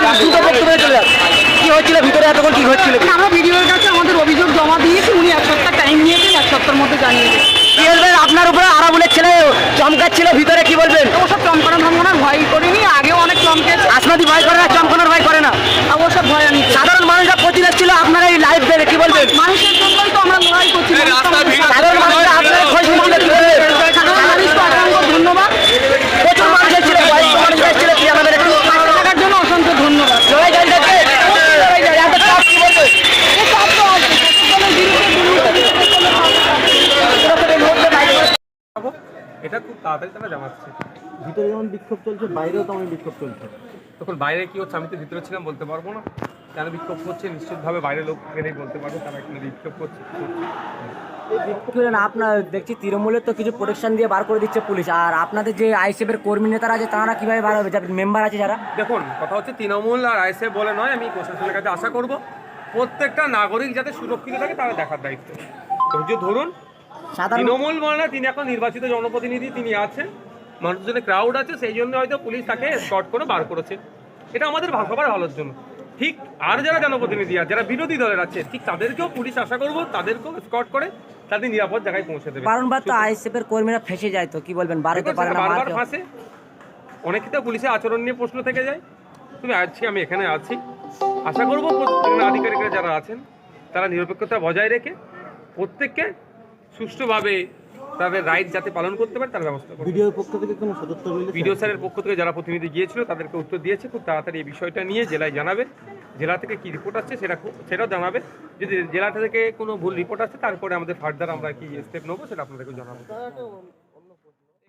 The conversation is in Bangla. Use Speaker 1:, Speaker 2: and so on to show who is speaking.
Speaker 1: কি হচ্ছিল ভিতরে এতক্ষণ কি হচ্ছিল?
Speaker 2: আমরা ভিডিওর কাছে আমাদের অভিযোগ জমা দিয়েছি, উনি এক সপ্তাহ টাইম নিয়েছেন, এক সপ্তাহের মধ্যে জানিয়েছেন।
Speaker 1: কি বলবেন আপনার উপরে আরাবুলের ছেলে চমকাচ্ছিল ভিতরে, কি বলবেন?
Speaker 2: ওসব চমকানো ধমকানোর ভয় করিনি, আগেও অনেক চমকেছে।
Speaker 1: আসমাদি ভয় করে না, চমকানোর ভয় করে না?
Speaker 2: ওসব ভয় আমি
Speaker 1: সাধারণ মানুষরা প্রতিরোধ ছিল আপনারা এই লাইভ দেখে, কি বলবেন?
Speaker 2: মানুষের জন্যই তো আমরা লড়াই করছি।
Speaker 1: সাধারণ মানুষরা আপনারা খোঁজ নিচ্ছিল, কি বলবেন?
Speaker 2: সাধারণ মানুষকে অসংখ্য ধন্যবাদ।
Speaker 1: প্রচুর মানুষ ছিল, বয়স্ক মানুষ ছিল, কি আমাদের একটু
Speaker 2: থাকার জন্য অসংখ্য ধন্যবাদ।
Speaker 1: লড়াই জারি থাকবে, লড়াই জারি, এত চাপ, কি বলবেন?
Speaker 2: এই চাপ তো আছে, সকলের বিরুদ্ধে
Speaker 3: এটা খুব তাড়াতাড়ি তারা জানাচ্ছে।
Speaker 4: ভিতরে যেমন বিক্ষোভ চলছে, বাইরেও তেমন বিক্ষোভ চলছে।
Speaker 3: তখন বাইরে কি হচ্ছে আমি তো ভিতরে ছিলাম, বলতে পারবো না। কেন বিক্ষোভ করছে নিশ্চিতভাবে বাইরের লোক গেলেই বলতে পারবে তারা এখানে বিক্ষোভ করছে।
Speaker 5: আপনার দেখছি তৃণমূলের তো কিছু প্রোটেকশন দিয়ে বার করে দিচ্ছে পুলিশ, আর আপনাদের যে আইএসএফের কর্মী নেতারা আছে তারা কিভাবে বার হবে, যাদের মেম্বার আছে যারা?
Speaker 3: দেখুন, কথা হচ্ছে তৃণমূল আর আইএসএফ বলে নয়, আমি প্রশাসনের কাছে আশা করব প্রত্যেকটা নাগরিক যাতে সুরক্ষিত থাকে তারা দেখার দায়িত্ব। ধৈর্য ধরুন। তৃণমূল বলে না, তিনি এখন নির্বাচিত জনপ্রতিনিধি, তিনি আছেন, মানুষজনের ক্রাউড আছে, সেই জন্য হয়তো পুলিশ তাকে স্কট করে বার করেছে। এটা আমাদের সবার ভালোর জন্য। ঠিক আর যারা জনপ্রতিনিধি আছে, যারা বিরোধী দলের আছে, ঠিক তাদেরকেও পুলিশ আশা করবো তাদেরকেও স্কট করে তাদের নিরাপদ জায়গায় পৌঁছে দেবে।
Speaker 5: বারবার তো আইএসএফের কর্মীরা ফেসে যায়, তো কি বলবেন? বারবার পারে না,
Speaker 3: বারবার ফাঁসে। অনেক ক্ষেত্রে পুলিশের আচরণ নিয়ে প্রশ্ন থেকে যায়। তুমি আছি, আমি এখানে আছি, আশা করবো আধিকারিকরা যারা আছেন তারা নিরপেক্ষতা বজায় রেখে প্রত্যেককে সুষ্ঠুভাবে তাদের রাইট যাতে পালন করতে পারে তার ব্যবস্থা করবে।
Speaker 4: ভিডিওর পক্ষ থেকে কোনো সদস্য মিলে
Speaker 3: ভিডিও স্যারের পক্ষ থেকে যারা প্রতিনিধি গিয়েছিল তাদেরকে উত্তর দিয়েছে, খুব তাড়াতাড়ি এই বিষয়টা নিয়ে জেলায় জানাবে। জেলা থেকে কি রিপোর্ট আসছে সেটাও জানাবে। যদি জেলা থেকে কোনো ভুল রিপোর্ট আসছে তারপরে আমাদের ফার্দার আমরা কি স্টেপ নেবো সেটা আপনাদেরকে জানাবো।